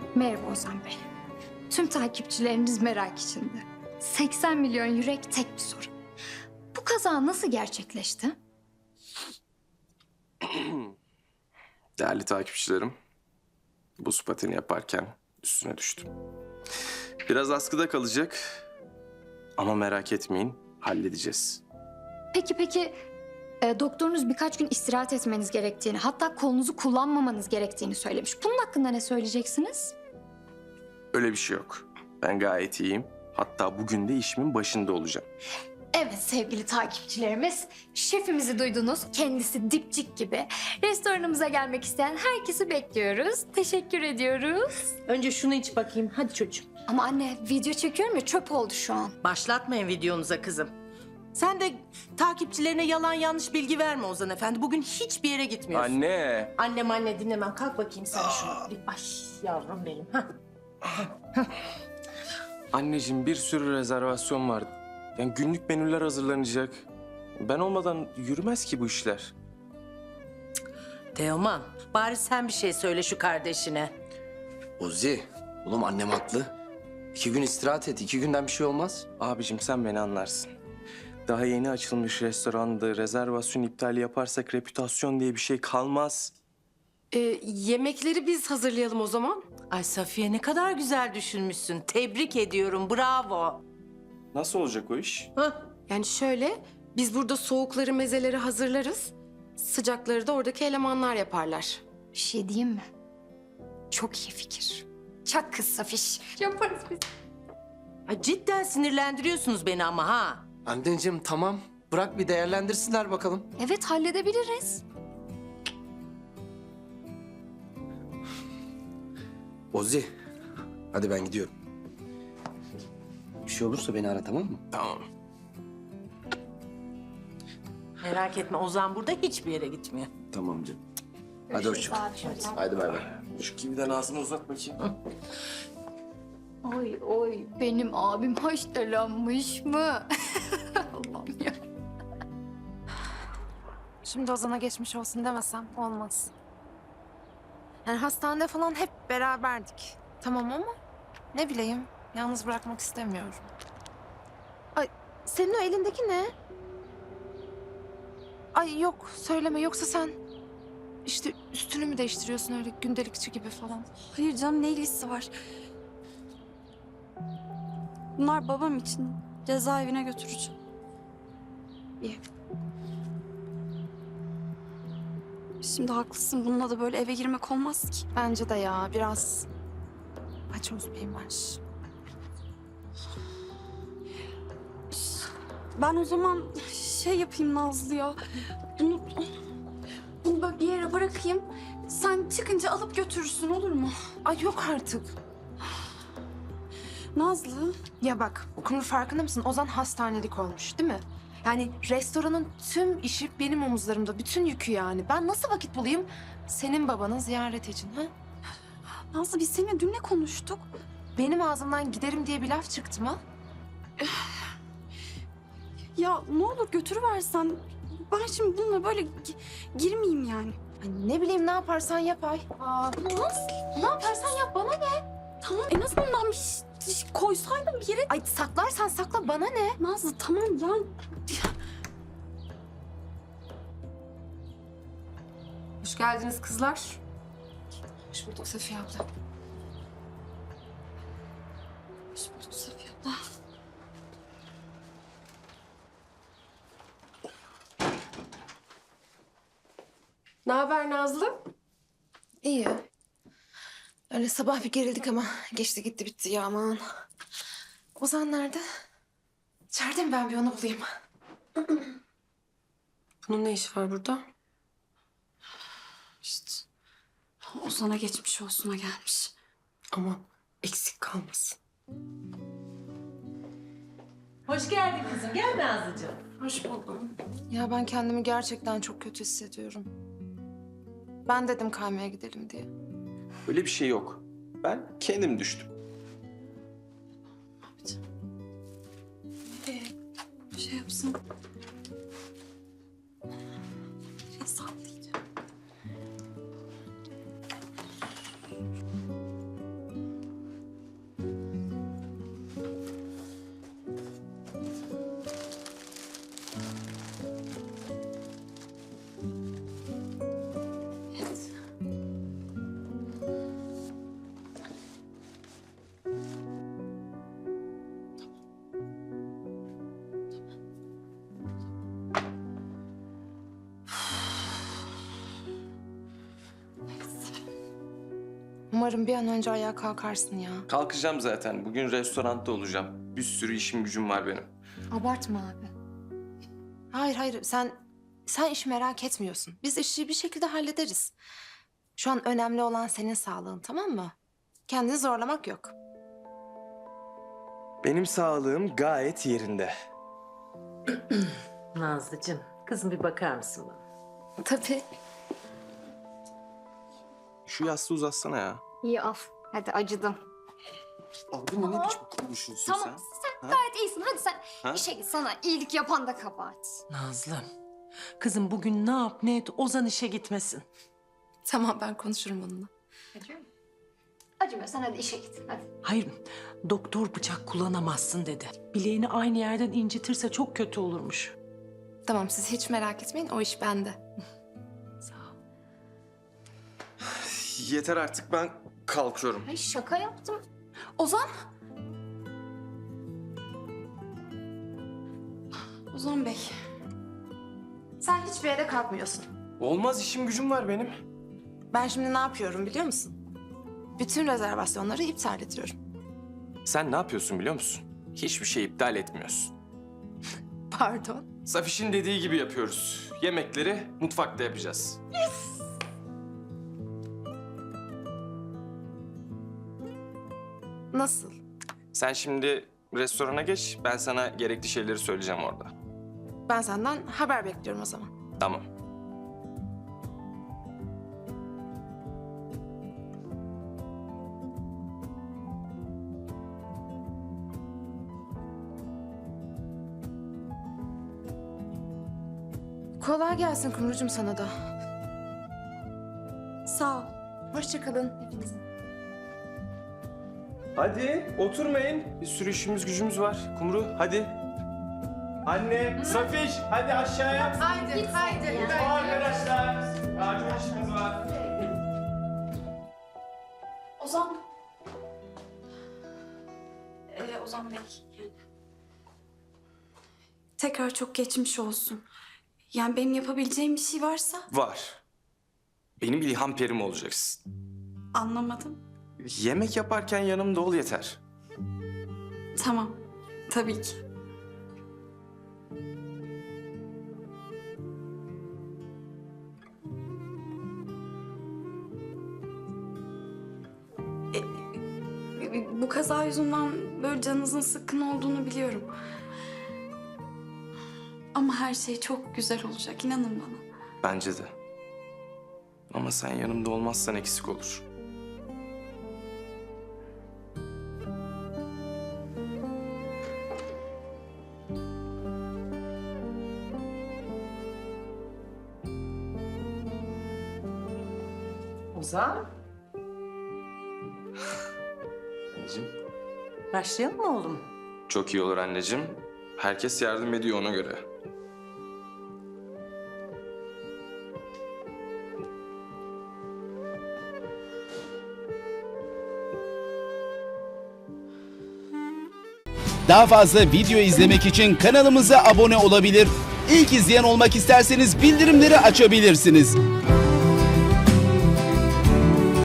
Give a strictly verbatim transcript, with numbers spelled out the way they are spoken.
Merhaba Ozan Bey. Tüm takipçilerimiz merak içinde. seksen milyon yürek tek bir soru. Bu kaza nasıl gerçekleşti? Değerli takipçilerim, buz pateni yaparken üstüne düştüm. Biraz askıda kalacak ama merak etmeyin, halledeceğiz. Peki peki e, doktorunuz birkaç gün istirahat etmeniz gerektiğini, hatta kolunuzu kullanmamanız gerektiğini söylemiş. Bunun hakkında ne söyleyeceksiniz? Öyle bir şey yok. Ben gayet iyiyim. Hatta bugün de işimin başında olacağım. Evet sevgili takipçilerimiz, şefimizi duydunuz. Kendisi dipçik gibi. Restoranımıza gelmek isteyen herkesi bekliyoruz. Teşekkür ediyoruz. Önce şunu iç bakayım. Hadi çocuğum. Ama anne video çekiyorum ya, çöp oldu şu an. Başlatmayın videonuza kızım. Sen de takipçilerine yalan yanlış bilgi verme Ozan Efendi. Bugün hiçbir yere gitmiyorsun. Anne! Annem anne dinlemem. Kalk bakayım sen şunu. Bir- Ay yavrum benim. Hah. Anneciğim bir sürü rezervasyon var. Yani günlük menüler hazırlanacak. Ben olmadan yürümez ki bu işler. Teoman, bari sen bir şey söyle şu kardeşine. Ozi, oğlum annem haklı. İki gün istirahat et, iki günden bir şey olmaz. Abicim sen beni anlarsın. Daha yeni açılmış restoranda rezervasyon iptali yaparsak reputasyon diye bir şey kalmaz. Ee, yemekleri biz hazırlayalım o zaman. Ay Safiye ne kadar güzel düşünmüşsün. Tebrik ediyorum, bravo. Nasıl olacak o iş? Hah. Yani şöyle, biz burada soğukları, mezeleri hazırlarız. Sıcakları da oradaki elemanlar yaparlar. Bir şey diyeyim mi? Çok iyi fikir. Çak kız Safiş. Yaparız biz. Ay cidden sinirlendiriyorsunuz beni ama ha. Anneciğim tamam, bırak bir değerlendirsinler bakalım. Evet halledebiliriz. Ozi, hadi ben gidiyorum. Bir şey olursa beni ara, tamam mı? Tamam. Merak etme Ozan burada hiçbir yere gitmiyor. Tamam canım. Hadi hoşça kal. Hadi bay bay. Şu kividen ağzını uzat bakayım. Oy oy benim abim haşlanmış mı? Allah'ım ya. Şimdi Ozan'a geçmiş olsun demesem olmaz. Yani hastanede falan hep beraberdik. Tamam ama ne bileyim, yalnız bırakmak istemiyorum. Ay, senin o elindeki ne? Ay yok, söyleme. Yoksa sen işte üstünü mü değiştiriyorsun öyle gündelikçi gibi falan? Hayır canım, ne ilgisi var? Bunlar babam için. Cezaevine götüreceğim. İyi. Şimdi haklısın. Bununla da böyle eve girmek olmaz ki. Bence de ya, biraz paçoz bir imaj. Ben o zaman şey yapayım Nazlı ya. Bunu, bunu böyle bir yere bırakayım. Sen çıkınca alıp götürürsün, olur mu? Ay yok artık. Nazlı. Ya bak, bunun farkında mısın? Ozan hastanelik olmuş değil mi? Yani restoranın tüm işi benim omuzlarımda. Bütün yükü yani. Ben nasıl vakit bulayım senin babanın ziyaret için ha? Nazlı, biz seninle dün ne konuştuk? Benim ağzımdan giderim diye bir laf çıktı mı? Ya ne olur götürüversen. Ben şimdi bununla böyle gi- girmeyeyim yani. Ay ne bileyim, ne yaparsan yap Ay. Aa, Nazlı. ne yaparsan yap, bana ne? Tamam, en azından bir şey, şey koysaydın bir yere. Ay saklarsan sakla, bana ne? Nazlı tamam ya. Hoş geldiniz kızlar. Hoş bulduk Safiye abla. Hoş bulduk Safiye abla. Ne haber Nazlı? İyi. Öyle sabah bir gerildik ama geçti gitti bitti ya aman. Ozan nerede? İçeride mi? Ben bir onu bulayım. Bunun ne işi var burada? İşte Ozan'a geçmiş olsuna gelmiş. Aman eksik kalmasın. Hoş geldin kızım. Gel Nazlıcığım. Hoş buldum. Ya ben kendimi gerçekten çok kötü hissediyorum. Ben dedim kaymaya gidelim diye. Öyle bir şey yok. Ben kendim düştüm. Şey yapsın. Biraz sallayacağım. umarım bir an önce ayağa kalkarsın ya. Kalkacağım zaten. Bugün restoranda olacağım. Bir sürü işim gücüm var benim. Abartma abi. Hayır hayır sen sen işi merak etmiyorsun. Biz işi bir şekilde hallederiz. Şu an önemli olan senin sağlığın, tamam mı? Kendini zorlamak yok. Benim sağlığım gayet yerinde. Nazlıcığım, kızım bir bakar mısın bana? Tabii. Şu yastığı uzatsana ya. İyi al. Hadi acıdım. Abi ne biçim konuşuyorsun Tamam sen, gayet iyisin. Hadi sen Ha? işe git. Sana iyilik yapan da kabahat. Nazlım, kızım bugün ne yap ne et Ozan işe gitmesin. Tamam ben konuşurum onunla. Acıyor mu? Acımıyor. Sen hadi işe git. Hadi. Hayır, doktor bıçak kullanamazsın dedi. Bileğini aynı yerden incitirse çok kötü olurmuş. Tamam siz hiç merak etmeyin, o iş bende. Sağ ol. Yeter artık, ben kalkıyorum. Ay şaka yaptım. Ozan? Ozan Bey. Sen hiçbir yere kalkmıyorsun. Olmaz, işim gücüm var benim. Ben şimdi ne yapıyorum biliyor musun? Bütün rezervasyonları iptal ediyorum. Sen ne yapıyorsun biliyor musun? Hiçbir şey iptal etmiyorsun. Pardon. Safiş'in dediği gibi yapıyoruz. Yemekleri mutfakta yapacağız. Nasıl? Sen şimdi restorana geç, ben sana gerekli şeyleri söyleyeceğim orada. Ben senden haber bekliyorum o zaman. Tamam. Kolay gelsin Kumrucuğum sana da. Sağ ol. Hoşça kalın hepinizin. Hadi oturmayın. Bir sürü işimiz gücümüz var. Kumru hadi. Anne, Safiş hadi aşağıya. Haydi, haydi. Arkadaşlar, acil işimiz var. Ozan. Ee, Ozan Bey. Yani. Tekrar çok geçmiş olsun. Yani benim yapabileceğim bir şey varsa Var. Benim ilham perim olacaksın. anlamadım. Yemek yaparken yanımda ol yeter. Tamam. Tabii ki. E, e, Bu kaza yüzünden böyle canınızın sıkkın olduğunu biliyorum. Ama her şey çok güzel olacak, inanın bana. Bence de. Ama sen yanımda olmazsan eksik olur. Ozan, Anneciğim. başlayalım mı oğlum? Çok iyi olur anneciğim. Herkes yardım ediyor ona göre. Daha fazla video izlemek için kanalımıza abone olabilir. İlk izleyen olmak isterseniz bildirimleri açabilirsiniz.